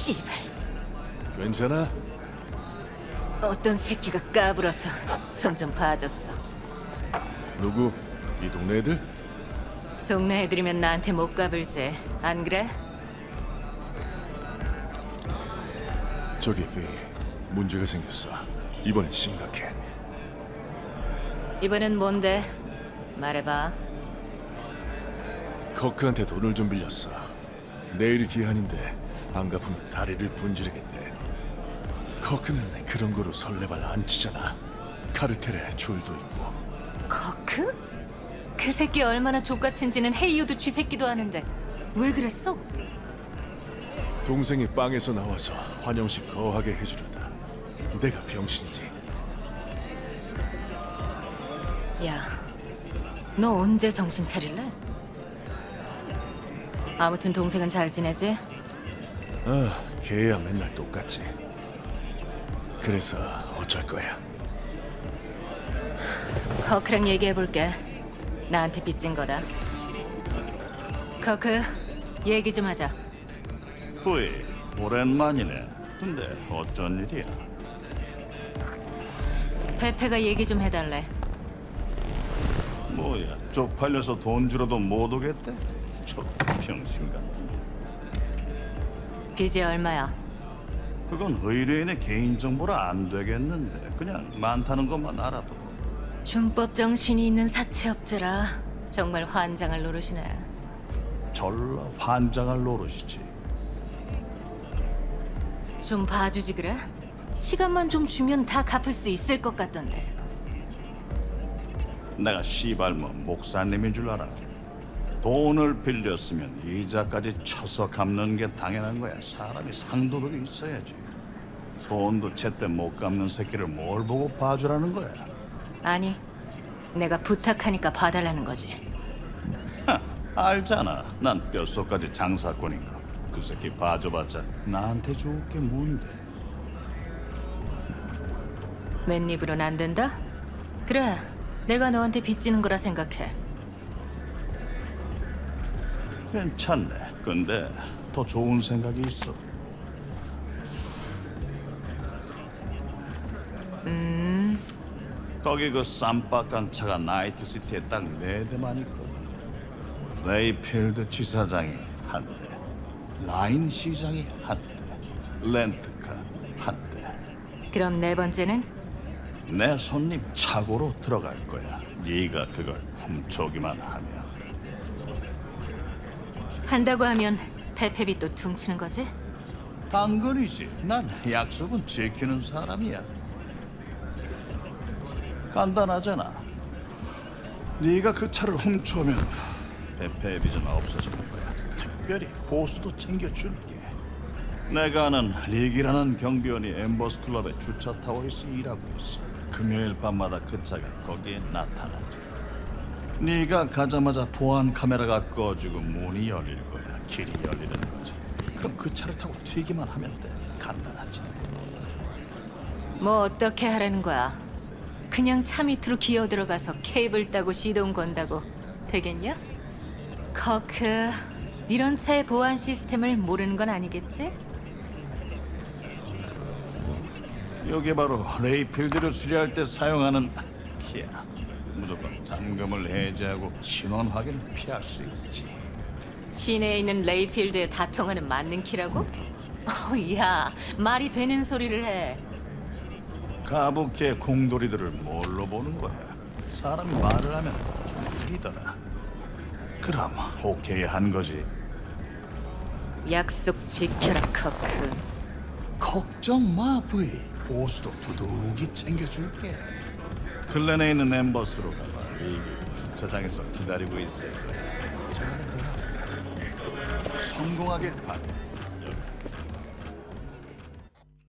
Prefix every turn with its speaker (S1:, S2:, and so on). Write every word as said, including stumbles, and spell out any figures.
S1: 씨발.
S2: 괜찮아?
S1: 어떤 새끼가 까불어서 손 좀 봐줬어.
S2: 누구? 이 동네 애들?
S1: 동네 애들이면 나한테 못 까불지. 안 그래?
S2: 저기 비 문제가 생겼어. 이번엔 심각해.
S1: 이번엔 뭔데? 말해봐.
S2: 커크한테 돈을 좀 빌렸어. 내일이 기한인데 안 갚으면 다리를 분지르겠대. 커크는 그런 거로 설레발 안 치잖아. 카르텔에 줄도 있고.
S1: 커크? 그 새끼 얼마나 족같은지는 헤이유도 쥐새끼도 아는데 왜 그랬어?
S2: 동생이 빵에서 나와서 환영식 거하게 해주려다. 내가 병신이지.
S1: 야, 너 언제 정신 차릴래? 아무튼 동생은 잘 지내지?
S2: 아, 걔야 맨날 똑같지. 그래서 어쩔 거야?
S1: 커크랑 얘기해볼게. 나한테 빚진 거다. 커크, 얘기 좀 하자.
S3: 부이, 오랜만이네. 근데 어쩐 일이야?
S1: 페페가 얘기 좀 해달래.
S3: 뭐야, 쪽팔려서 돈 주러도 못 오겠대? 저 병신 같은 게.
S1: 빚이 얼마야?
S3: 그건 의뢰인의 개인정보라 안 되겠는데 그냥 많다는 것만 알아도.
S1: 준법 정신이 있는 사채업자라 정말 환장을 노릇이네.
S3: 절라 환장할 노릇이지.
S1: 좀 봐주지 그래? 시간만 좀 주면 다 갚을 수 있을 것 같던데.
S3: 내가 씨발 뭐 목사님인 줄 알아. 돈을 빌렸으면 이자까지 쳐서 갚는 게 당연한 거야. 사람이 상도덕이 있어야지. 돈도 제때 못 갚는 새끼를 뭘 보고 봐주라는 거야.
S1: 아니, 내가 부탁하니까 봐달라는 거지.
S3: 하, 알잖아. 난 뼛속까지 장사꾼인 거. 그 새끼 봐줘봤자 나한테 좋을 게 뭔데.
S1: 맨입으로는 안 된다? 그래, 내가 너한테 빚지는 거라 생각해.
S3: 괜찮네. 근데 더 좋은 생각이 있어.
S1: 음,
S3: 거기 그 쌈박한 차가 나이트시티에 딱 네 대만 있거든. 레이필드 지사장이 한 대, 라인 시장이 한 대, 렌트카 한 대.
S1: 그럼 네 번째는?
S3: 내 손님 차고로 들어갈 거야. 네가 그걸 훔쳐오기만 하면.
S1: 한다고 하면 페페비 또 퉁치는 거지?
S3: 당근이지. 난 약속은 지키는 사람이야. 간단하잖아. 네가 그 차를 훔쳐오면 페페의 빚은 없어지는 거야. 특별히 보수도 챙겨줄게. 내가 아는 리기라는 경비원이 엠버스 클럽에 주차 타워에서 일하고 있어. 금요일 밤마다 그 차가 거기에 나타나지. 네가 가자마자 보안 카메라가 꺼지고 문이 열릴 거야. 길이 열리는 거지. 그럼 그 차를 타고 튀기만 하면 돼. 간단하지.
S1: 뭐 어떻게 하라는 거야? 그냥 차 밑으로 기어 들어가서 케이블 따고 시동 건다고 되겠냐? 커크, 이런 차의 보안 시스템을 모르는 건 아니겠지?
S3: 이게 바로 레이필드를 수리할 때 사용하는 키야. 무조건 잠금을 해제하고 신원 확인을 피할 수 있지.
S1: 시내에 있는 레이필드에 다 통하는 맞는 키라고? 어, 야, 말이 되는 소리를 해.
S3: 가부키의 공돌이들을 뭘로 보는 거야? 사람이 말을 하면 좀 일이더라. 그럼 오케이 한 거지.
S1: 약속 지켜라, 커크.
S3: 걱정 마, 부이. 보수도 두둑이 챙겨줄게. 클랜에 있는 엠버스로 가봐. 리기 주차장에서 기다리고 있을 거야. 잘해보라. 성공하길 바래.